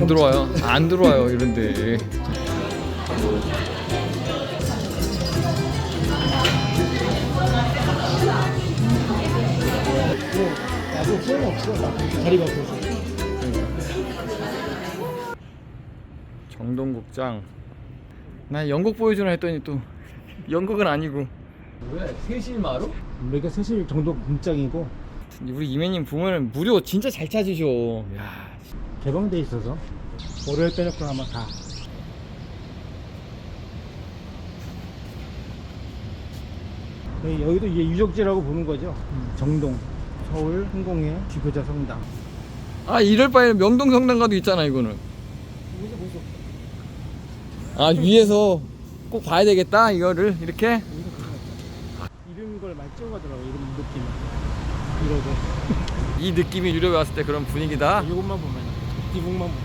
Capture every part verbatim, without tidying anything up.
안 들어와요. 안 들어와요 이런데. 나도 소용없어. 다리 바꿔서. 정동국장. 나 연극 보여주나 했더니 또 연극은 아니고. 왜? 세실마루? 여기가 사실 정도 공장이고 우리 이매님 보면은 무료 진짜 잘 찾으셔. 야, 개방돼 있어서 월요일 빼놓고 아마 다. 여기도 이제 유적지라고 보는 거죠. 정동, 서울 흥공의 지도자 성당. 아 이럴 바에는 명동 성당가도 있잖아 이거는. 여기서 볼 수 없어. 아 위에서 꼭 봐야 되겠다 이거를 이렇게. 여기서 볼 수 없어. 이런 걸 많이 찍어가더라고. 이런 느낌. 이러고. 이 느낌이 유럽에 왔을 때 그런 분위기다. 이것만 보면, 이북만 보면.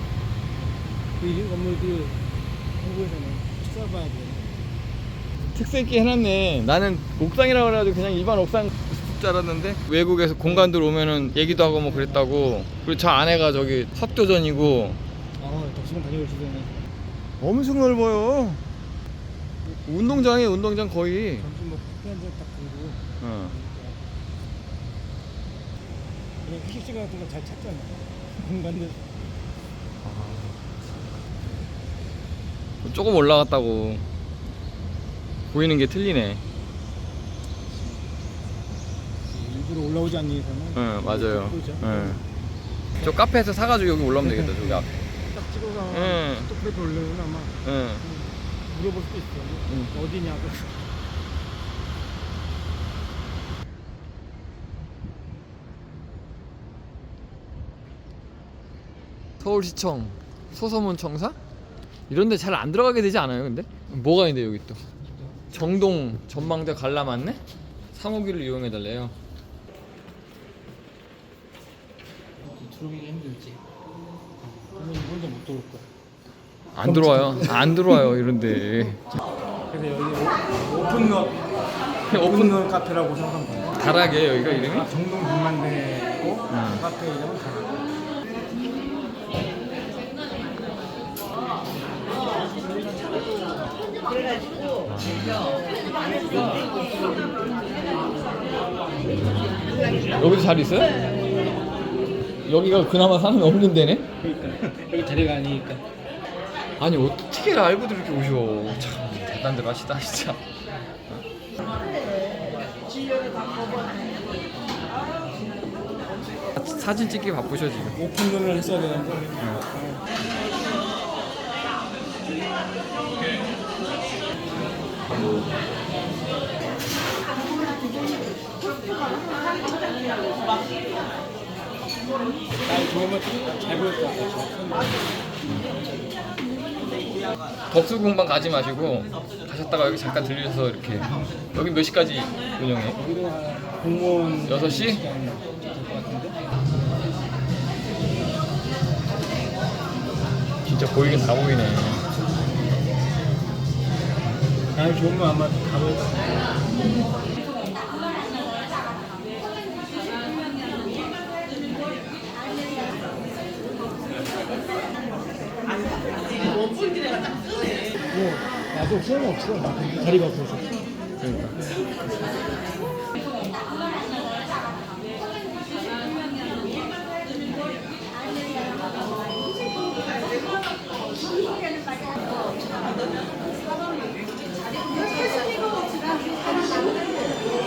이 건물들 한국에서는 찾아봐야 돼. 특색 있게 해놨네. 나는 옥상이라고 해가지고 그냥 일반 옥상 줄 알았는데 외국에서 공간들 오면은 얘기도 하고 뭐 그랬다고. 그리고 저 안에가 저기 석교전이고. 아, 덕수궁 다녀오시더니 엄청 넓어요. 운동장이에요 운동장 거의. 점심 먹고 커피 한잔 딱 들고 어. 그냥 휴식 시간 같은 거 잘 찾잖아. 공간들. 조금 올라갔다고 보이는 게 틀리네. 일부러 올라오지 않는 이상은. 응 맞아요. 그렇죠. 응. 저 카페에서 사가지고 여기 올라오면 되겠다 저기 앞에. 딱 찍어서 응. 또 그래도 올려면 아마 응. 물어볼 수도 있어. 응. 어디냐고. 서울시청 소서문청사? 이런데 잘 안 들어가게 되지 않아요 근데? 뭐가 있는데 여기 또 정동 전망대 관람안내? 삼호기를 이용해달래요. 들어오기가 힘들지. 그러면 혼자 못 들어올 거야. 안 들어와요. 안 들어와요 이런데. 그래서 여기 오- 오픈런 오픈런 카페라고 생각하면 돼. 다락이에요 여기가 이름이? 아, 정동 군만대고 응. 카페 이름은 다락. 여기도 자리 있어요? 여기가 그나마 사람이 없는 데네? 그러니까 여기 자리가 아니니까. 아니 어떻게 알고도 이렇게 오셔. 참 대단들 하시다 진짜. 사진 찍기 바쁘셔 지금. 오픈런을 했어야 되는데. 날 좋으면 잘 보일 것 같아. 덕수궁만 가지 마시고 가셨다가 여기 잠깐 들려서 이렇게. 여기 몇 시까지 운영해? 여기도 한 공무원 여섯 시? 시간 될것 같은데. 진짜 보이긴 다 보이네. 날 좋으면 아마 가볼 것 같아. 뭐 나도 소용없어. 다리 바꿔서.